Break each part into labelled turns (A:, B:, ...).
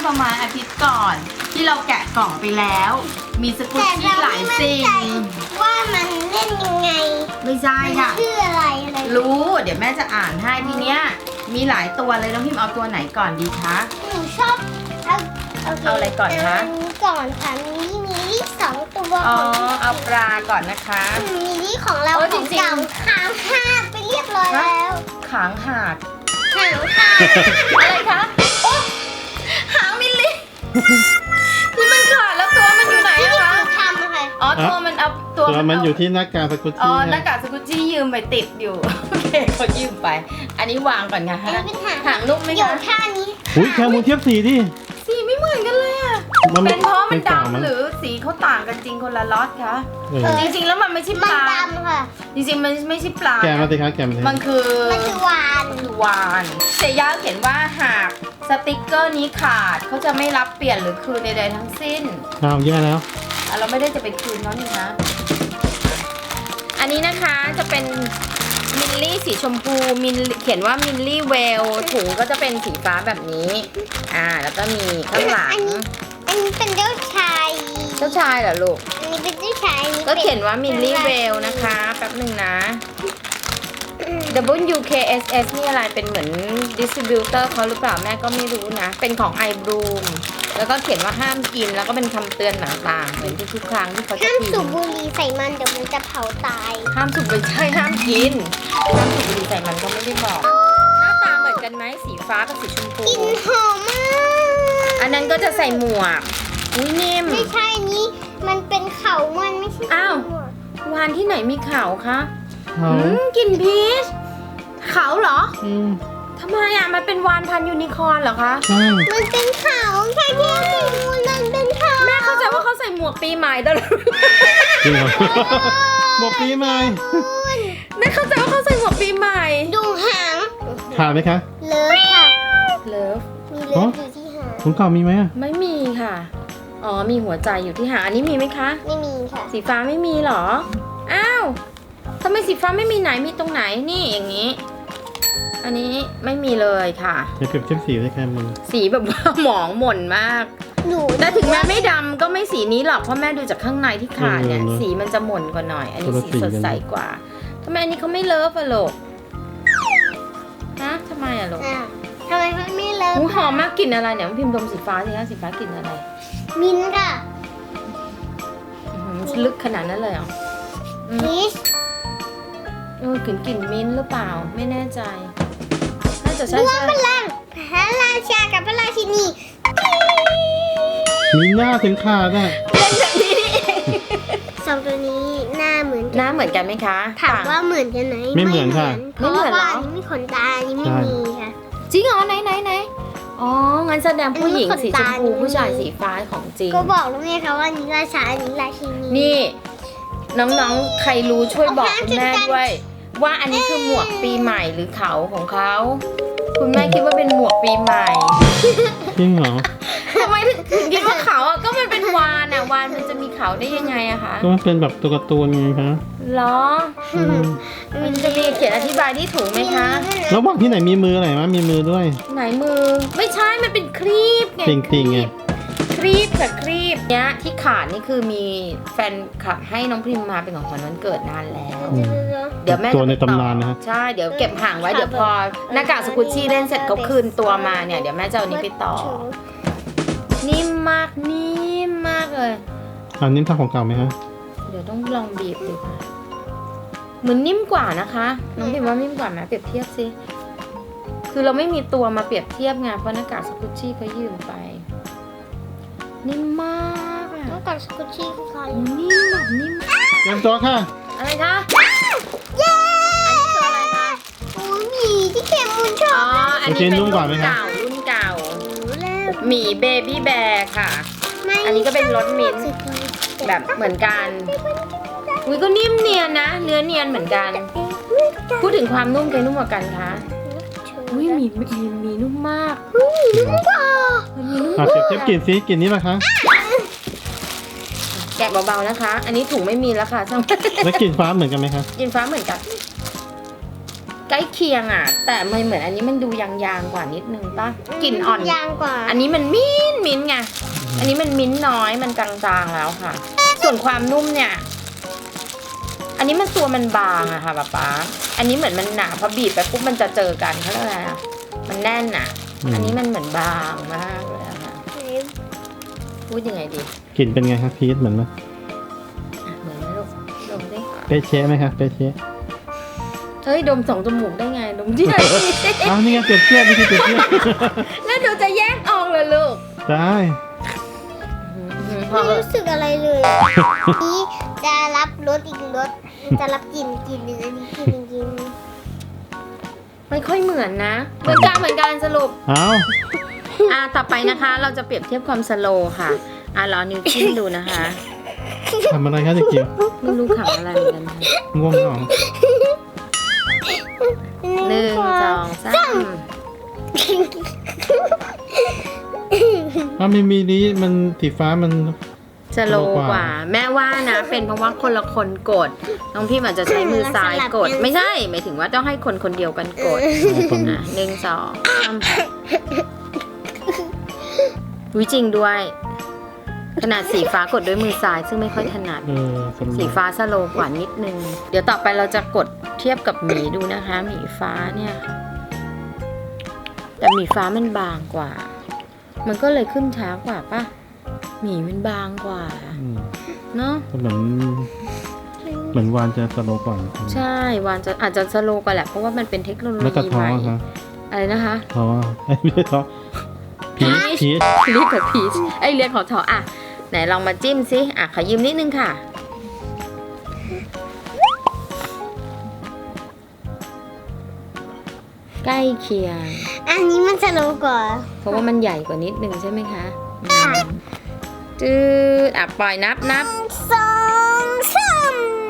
A: ประมาณอาทิตย์ก่อน ที่เราแกะกล่องไปแล้ว มีสกุชชี่หลายสิ่ง
B: ว่ามันเล่นยังไง
A: ไม่ใช่ค่ะ
B: ชื่ออะไรอะไร
A: รู้เดี๋ยวแม่จะอ่านให้ทีเนี้ยมีหลายตัวเลยน้องพิมเอาตัวไหนก่อนดีคะ
B: หนูชอบ
A: เอาอะไรก่อนคะ
B: อันนี้ก่อนค่ะมีลี่2 ตัว
A: อ๋อเอาปลาก่อนนะคะ
B: มีลี่ของเรา
A: โอ้
B: ของ
A: จริงๆ
B: เก่าค้างคาไปเรียบร้อยแล้ว
A: ขางหาด
B: ค้างคา
A: อะไรคะโอ้หางมิลลิที่มันขาดแล้วตัวมันอยู่ไหน
B: ที่
A: อะ
B: หนู
A: คะ
B: ทำอะค่ะ
A: อ๋อตัวมันเอาตัว
C: ตัวมันอยู่ที่หน้ากากสกุช
A: อ๋อ
C: ชี่
A: หน้ากากสกุชชี่ยืมไปติดอยู่ โอเคเขายืมไป อันนี้วางก่อนนะ
B: อั
A: คะ
B: นนี้เป็นหาง
A: หางนุ่มไหม
B: เดี๋ยว
A: คะ
B: ท่านี้
C: อุ้ยแคมูลเทียบสีดิ
A: สีไม่เหมือนกันเลยอะ
C: มัน
A: เป็นเพราะมัน
C: เก่ามั้
A: ดำ
C: ง
A: หรือสีเขาต่างกันจริงคนละล็อตคะ
C: เออ
A: จริงๆแล้วมันไม่ใช่ป
B: มัน
A: ลา
B: ดำค่ะ
A: จริงๆมันไม่ใช่ปลา
C: แกะมาสิคะแกะมาสิ
A: มันคือ
B: มันคือวาน
A: วานเซย่าเขียนว่าหากสติกเกอร์นี้ขาดเขาจะไม่รับเปลี่ยนหรือคืนใดๆทั้งสิ้น
C: อ้าวแย่แล้ว
A: เราไม่ได้จะไปคืนเขานี่คะอันนี้นะคะจะเป็นมิลลี่สีชมพูเขียนว่ามิลลี่เวลถุงก็จะเป็นสีฟ้าแบบนี้แล้วก็มีข้างหลัง
B: อันนี้เป็นเจ้าชาย
A: เจ้าชายเหรอลูก
B: อันนี้เป็นเจ้าชายอันนี้
A: ก็
B: ป็
A: เขียนว่ามิลลี่เวลนะคะแป๊บหนึ่งนะ WKSS นี่อะไรเป็นเหมือนดิสติบิวเตอร์เขาหรือเปล่าแม่ก็ไม่รู้นะ เป็นของ iBloom แล้วก็เขียนว่าห้ามกินแล้วก็เป็นคำเตือนต่างๆเหมือนทุกๆครั้งที่เขาจะ
B: ห้าม
A: พิ
B: สูบ
A: มพ์
B: บุหรี่ใส่มันเดี๋ยวมันจะเผาตาย
A: ห้ามสูบไม่ใช่ห้ามกินห้ามสูบบุหรี่ใส่มันก็ไม่ได้บอก หน้าตาเหมือนกันไหมสีฟ้ากับสีชมพู
B: กลิ่นหอมมาก
A: อันนั้นก็จะใส่หมวกอุ้ยนิ่ม
B: ไม่ใช่อันนี้มันเป็นเขามันไม่ใช่
A: อ้าว
B: หมวก
A: วานที่ไหนมีเขาคะ
C: เขา
A: กลิ่นพีชเขาเหรอ
C: อืม
A: ทำไมมันเป็นวานพันธุ์ยูนิคอร์นเหรอคะ
C: ใช่
B: มันเป็นเขาแค่ที่มันเป็นเขา
A: แม่เข้าใจว่าเขาใส่หมวกปีใหม่ตลอด
C: จริงเหรอหมวกปีใหม่
A: แม่เข้าใจว่าเขาใส่หมวกปีใหม่
B: ดูหาง
C: ขาดไหมคะ
B: เลิฟค่ะ
A: เลิฟ
B: มีเลิฟอยู่ที่หาง
C: ของเก่ามีไหมอะ
A: ไม่มีค่ะ อ๋อมีหัวใจอยู่ที่หางอันนี้มีไหมคะ
B: ไม่มีค่ะ
A: สีฟ้าไม่มีเหรอ อ้าวทำไมสีฟ้าไม่มีไหนมีตรงไหนนี่อย่างนี้ อันนี้ไม่มีเลยค่ะ
C: เดี๋ยวเปรียบเทียบสีได้แค่มึง
A: สีแบบว่า หมองหม่นมาก
B: หนู
A: แต่ถึงแม้ไม่ดำก็ไม่สีนี้หรอกเพราะแม่ดูจากข้างในที่ขาดเนี่ย สีมันจะหม่นกว่าหน่อย อันนี้สีสดใสกว่าทำไมอันนี้เขาไม่เลิฟอะลูกฮะทำไมอะลูก
B: อ่ะทำไมมันไม่เลิฟ
A: หูหอมมากกลิ่นอะไรเนี่ยพิมพ์ดมสีฟ้าสิคะสีฟ้ากลิ่นอะไร
B: มินท์ค่ะ
A: อื้อหือลึกขนาดนั้นเลยเหรอ
B: พีช
A: กลิ่นมิ้นท์หรือเปล่าไม่แน่ใจ น่าจะใช่
B: ร่วม
A: ใช่
B: พลังพระราชากับพระราชินี
C: มีหน้าถึงขาดอะ
A: เล่นแบบนี้นี่เอง
B: สองตัวนี้หน้าเหมือน
A: หน้าเหมือนกันไหมคะ
B: ถามว่าเหมือนกันไหม
C: ไม่เหมือนค่ะ
B: เพราะว่าอันนี้มีขนตาอันนี้ไม่มีค่ะ
A: จริงเหรอไหนอ๋องั้นแสดงผู้หญิงสีชมพู
B: อันนี้ขนตา
A: ผู้ชายสีฟ้าของจริง
B: ก็บอกแล้วไงคะว่าอันนี้ราชาอันนี้ราชินี
A: นี่ น้องๆ ใครรู้ช่วยบอกคุณแม่ด้วย ว่าอันนี้คือหมวกปีใหม่หรือเขาของเขาคุณแม่คิดว่าเป็นหมวกปีใหม่
C: จริงเหรอ
A: ทำไมถึงคิดว่าเขาอ่ะก็มันเป็นวานอ่ะวานมันจะมีเขาได้ยังไงอะคะ
C: ก็มันเป็นแบบตัวการ์ตูนไงคะ
A: เหรอ
C: อืม
A: มันจะมีเขียนอธิบายที่ถูกไหมคะ
C: แล้วบอกที่ไหนมีมืออะไรมะมีมือด้วย
A: ไหนมือไม่ใช่มันเป็นครีบไง
C: จริงๆไง
A: ครีบค่ะครีบเนี้ยที่ขาดนี่คือมีแฟนคลับให้น้องพิมมาเป็นของขวัญวันเกิดนานแล้ว เดี๋ยวแม่
C: ตัวใน
A: จะไปอ
C: ตำนานนะฮะ
A: ใช่เดี๋ยวเก็บห่างไว้เดี๋ยวพอหน้ากากสกุชชี่เล่นเสร็จเขาคืนตัวมาเนี่ยเดี๋ยวแม่จะเอาอันนี้ไปต่อ นิ่มมากนิ่มมากเลย
C: อันนี้ทางของเก่าไหมคะ
A: เดี๋ยวต้องลองบีบดูค่ะเหมือนนิ่มกว่านะคะน้องพิมว่านิ่มกว่าไหมเปรียบเทียบสิคือเราไม่มีตัวมาเปรียบเทียบไงเพราะหน้ากากสกุชชี่เขายืมไป นิ่มมากอะ
B: ต้องการสกุชชี่คือใคร
A: นิ่มแบบนิ่ม
C: เตรียมตัวค่ะ
A: อะไรคะ
B: เย้
A: อันนี้ตัวอะไรคะ
B: โอ้ยหมีที่เข็มมูลชอ
A: อ๋อบ อันนี้เป็น
C: นุ่
A: รุ่
C: ม
A: น
C: กว่าไหมคะ
A: เก่ารุ่นเก่า
B: รู้แล้ว
A: หมีเบบี้แบร์ค่ะ อันนี้ก็เป็นรสมิ้นท์แบบเหมือนกันอุ้ยก็นิ่มเนียนนะ เนื้อเนียนเหมือนกัน พูดถึงความนุ่มใครนุ่มกว่ากันคะอุ้ยมีนุ่มมาก
C: อ่ะเปรียบเทียบกลิ่นสิกลิ่นนี้ป่ะคะ
A: แกะเบาๆนะคะ อันนี้ถุงไม่มีแล้วค่ะช่าง
C: แล้วกลิ่นฟ้าเหมือนกันไหมคะ
A: กินฟ้าเหมือนกันใกล้เคียงอ่ะ แต่มันเหมือนอันนี้มันดูยางๆกว่านิดนึงป่ะกลิ่นอ่อน
B: ยางกว่า
A: อันนี้มันมิ้นท์ไงอันนี้มันมิ้นท์น้อยมันจางๆแล้วค่ะ ส่วนความนุ่มเนี่ย อันนี้มันตัวมันบางอะค่ะป๊าอันนี้เหมือนมันหนาพอบีบไปปุ๊บมันจะเจอกันเขาเรียกอะไรอะมันแน่นอะอันนี้มันเหมือนบางมากเลยอะค่ะพูดยังไงดี
C: กลิ่นเป็นไงคะพีชเหมือนไหม
A: อ่ะเหมือนไหมลูกดมดิ
C: เป๊ะเช๊ะไหมคะเป๊ะเช๊ะ
A: เฮ้ยดมสองจมูกได้ไงดมที่ไหน
C: อ้าวนี่ไงเปรียบเทียบนี่คือเปรียบเทียบ
A: แล้วดูจะแยกออกเลยลูก
C: ได้
A: พอ
B: ไม่รู้สึกอะไรเลยนี้จะรับรสอีกรสจะรับกลิ่นหนึ่งอันนี้กลิ่นหนึ่ง
A: ไม่ค่อยเหมือนนะเหมือนกันสรุป
C: อ้าว
A: ต่อไปนะคะเราจะเปรียบเทียบความสโลว์ค่ะรอนิ้วจิ้มดูนะคะ
C: ทำอะไรคะเด็กจิ๋ว
A: ไม่รู้ขำอะไรเหมือนกันนะ
C: ง่วงเหรอ
A: หนึ่งสองสาม
C: อ้าวมีนี้มันสีฟ้ามัน
A: สโลว์กว่า แม่ว่านะ เป็นเพราะว่าคนละคนกดน้องพี่อาจจะใช้มือซ้ายกด ไม่ใช่หมายถึงว่าต้องให้คนคนเดียวกันกดหนึ่งสองสามวิจริงด้วย ขนาดสีฟ้ากดด้วยมือซ้ายซึ่งไม่ค่อยถนัด
C: สนุก
A: สีฟ้าสโลว์กว่านิดนึง เดี๋ยวต่อไปเราจะกดเทียบกับหมีดูนะคะ หมีฟ้าเนี่ย แต่หมีฟ้ามันบางกว่า มันก็เลยขึ้นช้ากว่าป่ะ หมีมันบางกว่า เนาะ
C: ก็เหมือนวานจะสโลว์กว่า
A: ใช่วานจะอาจจะสโลว์กว่าแหละเพราะว่ามันเป็นเทคโนโล
C: แล้วก็
A: ยี
C: ท้
A: ให
C: อ
A: ม่
C: ค่ะ
A: อะไรนะคะ
C: ท้อไม่ใช่ท้อพีช
A: เรียกกับพีชเรียกของทออ่ะไหนลองมาจิ้มสิขอยืมนิดนึงค่ะ ใกล้เคียง
B: อันนี้มันสโลว์กว่า
A: เพราะว่ามันใหญ่กว่านิดนึงใช่ไหมคะจืดปล่อยนับ
B: สองสาม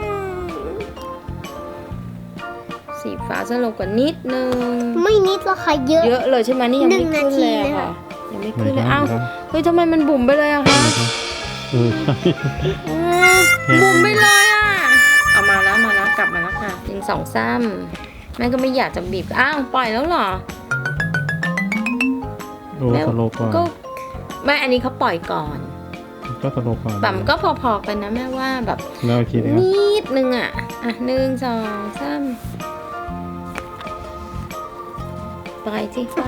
A: สีฟ้าสโลว์กว่านิดนึง
B: ไม่นิดหรอกค่ะเยอะ
A: เยอะเลยใช่ไหมนี่ยังไม่ขึ้นเลยอะค่ะ ยังไม่ขึ้นเลยอ้าวเฮ้ยทำไมมันบุ๋มไปเลยอะคะ
C: ใช่
A: บุ๋มไปเลยอะเอามาแล้วกลับมาแล้วค่ะยิงสองซ้ำแม่ก็ไม่อยากจะบีบอ้าวปล่อยแล้วเหรอ
C: โอ้สโลว์กว่า
A: ก็ไม่อันนี้เขาปล่อยก่อน
C: ก็สโลว์กว่า
A: แต่มันก็พอๆกันนะแม่ว่าแบบ
C: แล้วอีกทีนะครับ
A: นิดนึงอะหนึ่งสองสามไปสิไป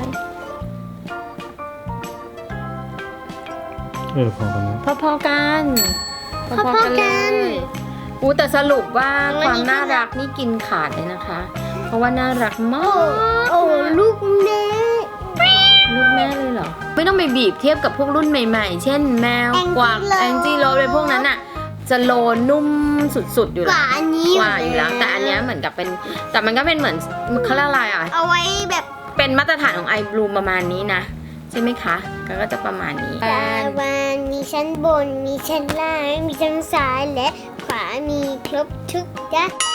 C: พอกันนะ
A: พอๆกัน
B: พอๆกัน
A: เลยอู้แต่สรุปว่าความน่ารักนี่กินขาดเลยนะคะ เพราะว่าน่ารักมาก
B: โอ้ลูกเน่
A: ลูกแม่เลยเหรอ ไม่ต้องไปบีบเทียบกับพวกรุ่นใหม่ๆ เช่นแมวกวางแองจี้โรสเลยพวกนั้นอะจะโลนุ่มสุดๆอยู่
B: ก
A: แล้ว
B: ว่าอันนี้
A: กว่าอยู่แล้ว แต่อันเนี้ยเหมือนกับเป็นแต่มันก็เป็นเหมือนเขาเรียกอะไรอ่ะ
B: เอาไว้แบบ
A: เป็นมาตรฐานของไอบลูประมาณนี้นะใช่ไหมคะก็จะประมาณนี้
B: ตาวันมีชั้นบน มีชั้นล่าง มีชั้นซ้ายและขวามีครบทุกอย่าง